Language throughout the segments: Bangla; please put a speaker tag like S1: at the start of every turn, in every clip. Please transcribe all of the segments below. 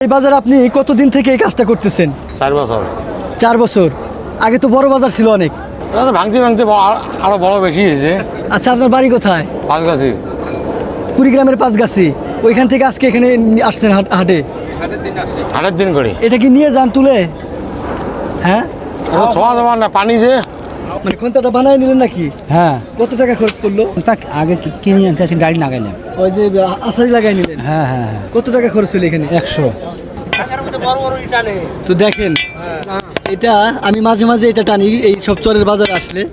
S1: এই বাজারে আপনি কতদিন থেকে এই কাজটা করতেছেন?
S2: 4 বছর।
S1: 4 বছর। আগে তো বড় বাজার ছিল অনেক।
S2: এটা তো ভাঙতে ভাঙতে আরো বড় বেশি হয়েছে।
S1: আচ্ছা, আপনার বাড়ি কোথায়?
S2: পাঁচগাছি।
S1: কুড়িগ্রামের পাঁচগাছি। ওইখান থেকে আজকে এখানে আসছেন হাটে?
S2: হাটের দিন করে।
S1: এটা কি নিয়ে যান তুলে? হ্যাঁ,
S2: এটা ছোঁয়া যাবার না, পানি যে।
S1: মানে কোনটা বানায় নিলেন নাকি?
S3: হ্যাঁ,
S1: কত টাকা খরচ করলো?
S3: তা আগে কিনে আনতে আসি, গাড়ি লাগাইলাম।
S1: ওই যে আসারি লাগাই নিলেন?
S3: হ্যাঁ হ্যাঁ হ্যাঁ,
S1: কত টাকা খরচ হলো এখানে?
S3: 100।
S1: তো দেখেন, এটা আমি মাঝে মাঝে এটা টানি এই সব চরের বাজারে আসলে।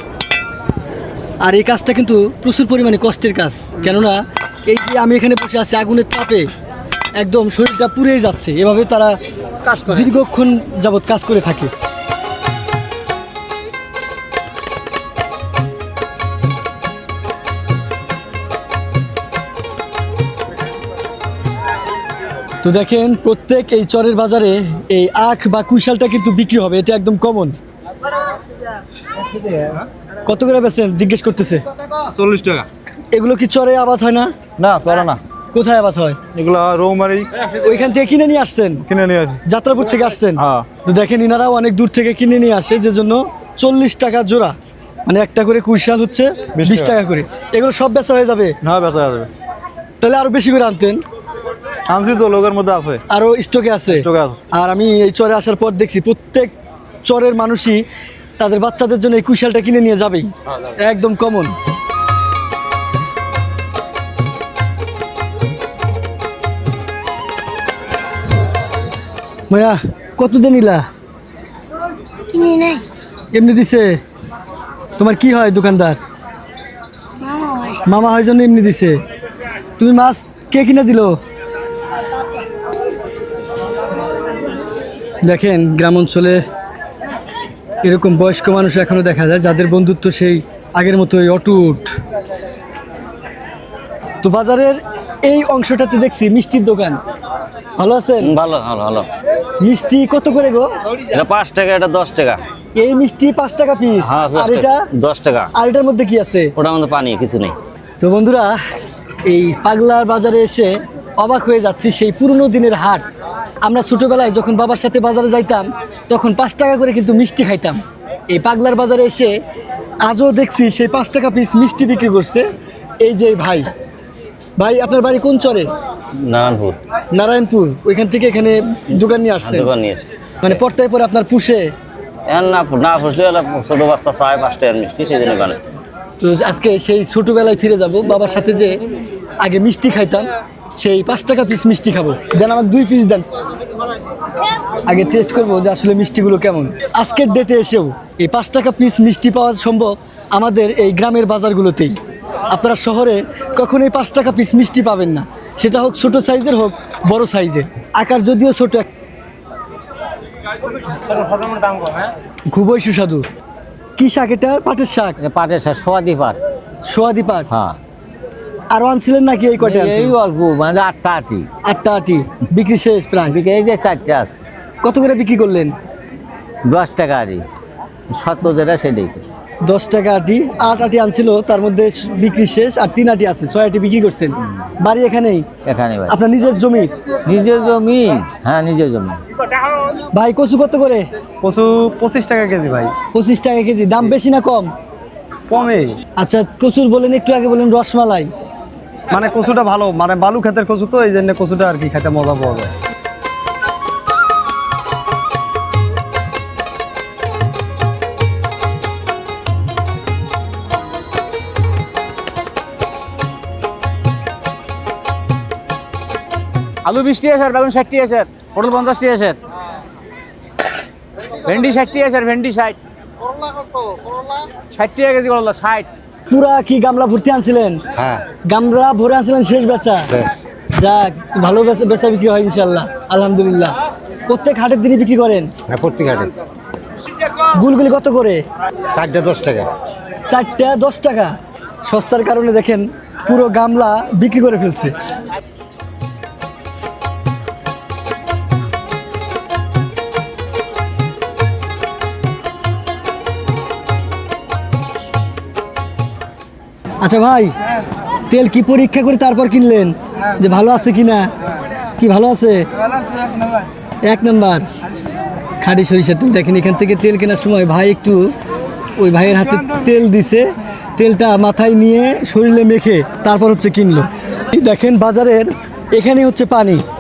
S1: আর এই কাজটা কিন্তু প্রচুর পরিমাণে কষ্টের কাজ, কেননা এই যে আমি এখানে বসে আছি আগুনের তাপে একদম শরীরটা পুড়েই যাচ্ছে। এভাবে তারা দীর্ঘক্ষণ যাবৎ কাজ করে থাকে। তো দেখেন, প্রত্যেক এই চরের বাজারে এই আখ বা কুইশালটা কিন্তু বিক্রি হবে, এটা একদম কমন। কত করে বেচেন জিজ্ঞেস করতেছে?
S4: 40 টাকা।
S1: এগুলো কি চরে আবাদ হয় না?
S4: না, চলে না।
S1: কোথায় আবাদ হয়?
S4: এগুলো রৌমারি
S1: ওইখান থেকে কিনে নিয়ে আসছেন?
S4: কিনে নিয়ে আসি।
S1: যাত্রাপুর থেকে আসছেন?
S4: হ্যাঁ।
S1: তো দেখেন, ইনারাও অনেক দূর থেকে কিনে নিয়ে আসে, যে জন্য 40 টাকা জোড়া, মানে একটা করে কুইশাল হচ্ছে 20 টাকা করে। এগুলো সব বেচা হয়ে যাবে?
S4: না, বেচা যাবে।
S1: তাহলে আরো বেশি করে আনতেন।
S4: আনছি তো, লোকের মধ্যে আছে,
S1: আরো স্টকে আছে।
S4: স্টকে আছে।
S1: আর আমি এই চরে আসার পর দেখছি প্রত্যেক চরের মানুষই তাদের বাচ্চাদের জন্য এই কুইশালটা কিনে নিয়ে যাবেই, একদম কমন। মায়া, কত দিন নিলা?
S5: কিনে নাই,
S1: এমনি দিছে? তোমার কি হয়? দোকানদার?
S5: মামা হয়।
S1: মামা হয় জন্য এমনি দিছে। তুমি মাছ কে কিনে দিল?
S5: বাপে।
S1: দেখেন, গ্রাম অঞ্চলে এরকম বয়স্ক মানুষ এখনো দেখা যায়, যাদের বন্ধুত্ব সেই আগের মতোই অটুট। তো বাজারের এই অংশটাতে দেখছি মিষ্টির দোকান। ভালো আছেন?
S6: ভালো ভালো ভালো।
S1: মিষ্টি কত করে গো?
S6: এটা 5 টাকা, এটা 10 টাকা।
S1: এই মিষ্টি 5 টাকা পিস।
S6: হ্যাঁ,
S1: আর এটা
S6: 10 টাকা।
S1: আর এটার মধ্যে কি আছে?
S6: ওটার মধ্যে পানি, কিছু নেই।
S1: তো বন্ধুরা, এই পাগলার বাজারে এসে অবাক হয়ে যাচ্ছি। সেই পুরনো দিনের হাট। আমরা ছোটবেলায় যখন বাবার সাথে বাজারে যাইতাম, তখন 5 টাকা করে কিন্তু মিষ্টি খাইতাম। এই পাগলার বাজারে এসে আজও দেখছি সেই 5 টাকা পিস মিষ্টি বিক্রি করছে এই যে ভাই। ভাই, আপনার বাড়ি কোন চরে?
S6: নারায়ণপুর।
S1: নারায়ণপুর। ওইখান থেকে এখানে দোকান নিয়ে আসছেন?
S6: দোকান নিয়েছি।
S1: মানে পর্তায় পরে আপনার পুষে?
S6: এখন না না ফুসলে ছোট বাচ্চা চায় 5 টাকার মিষ্টি, সেই জন্য বানায়।
S1: তো আজকে সেই ছোটবেলায় ফিরে যাব, বাবার সাথে যে আগে মিষ্টি খাইতাম, সেই 5 টাকা পিস মিষ্টি খাবো। দেন, আমার 2 পিস দেন, আগে টেস্ট করবো যে আসলে মিষ্টিগুলো কেমন। আজকের ডেটে এসেও এই 5 টাকা পিস মিষ্টি পাওয়া সম্ভব আমাদের এই গ্রামের বাজারগুলোতেই। আপনারা শহরে কখনোই 5 টাকা পিস মিষ্টি পাবেন না, সেটা হোক ছোট সাইজের হোক বড় সাইজের। আকার যদিও ছোট, খুবই সুস্বাদু। কি শাক এটা? পাটের শাক?
S6: পাটের শাক, সোয়াদি পাট।
S1: সোয়াদি পাট।
S6: হ্যাঁ,
S1: আরো আনছিলেন নাকি? এই কয়টা
S6: এই
S1: আনছিলেন?
S6: অল্প, মানে 8টা আটি।
S1: 8টা আটি বিক্রি শেষ প্রায়?
S6: এই যে 4টে আছে।
S1: কত করে বিক্রি করলেন?
S6: 10 টাকা আটি, 70 যেটা সেটাই।
S1: 10 টাকা আটি। 8 আটি আনছিল, তার মধ্যে বিক্রি শেষ, আর 3 আটি আছে, 6 আটি বিক্রি করছেন। বাড়ি এখানেই?
S6: এখানে ভাই,
S1: আপনার নিজের জমির?
S6: নিজের জমি। হ্যাঁ, নিজের জমি।
S1: ভাই, কচু কত করে?
S4: কচু 25 টাকা কেজি ভাই।
S1: 25 টাকা কেজি। দাম বেশি না কম?
S4: কমে।
S1: আচ্ছা, কচুর বলেন, একটু আগে বলেন রসমালাই।
S4: মানে কচুটা ভালো, মানে বালু ক্ষেতের কচু তো, এই জন্য কচুটা আর কি খেতে মজা পাওয়া যায়।
S7: আলু 20 টাকা স্যার, বেগুন 60 টাকা স্যার, পটল 50 টাকা স্যার, ভেন্ডি 60 টাকা স্যার, ভেন্ডি 60। 60 টাকা কেজি করলা, 60।
S1: পুরা কি গামলা ভর্তি আনছিলেন?
S6: হ্যাঁ,
S1: গামলা ভরে আনছিলেন, শেষ বেচা? যাক, ভালো বেচা বিক্রি হয় ইনশাল্লাহ, আলহামদুলিল্লাহ। প্রত্যেক হাটের দিনই বিক্রি করেন?
S6: হ্যাঁ, প্রত্যেক হাটে।
S1: গুলগুলি কত করে?
S6: 4টে 10 টাকা।
S1: 4টে 10 টাকা। সস্তার কারণে দেখেন পুরো গামলা বিক্রি করে ফেলছে। আচ্ছা ভাই, তেল কি পরীক্ষা করে তারপর কিনলেন যে ভালো আছে কিনা? কি ভালো আছে? এক নাম্বার খাঁটি সরিষার তেল। দেখেন এখান থেকে তেল কেনার সময় ভাই একটু ওই ভাইয়ের হাতে তেল দিছে, তেলটা মাথায় নিয়ে শরীরে মেখে তারপর হচ্ছে কিনলো। এই দেখেন বাজারের এখানে হচ্ছে পানি,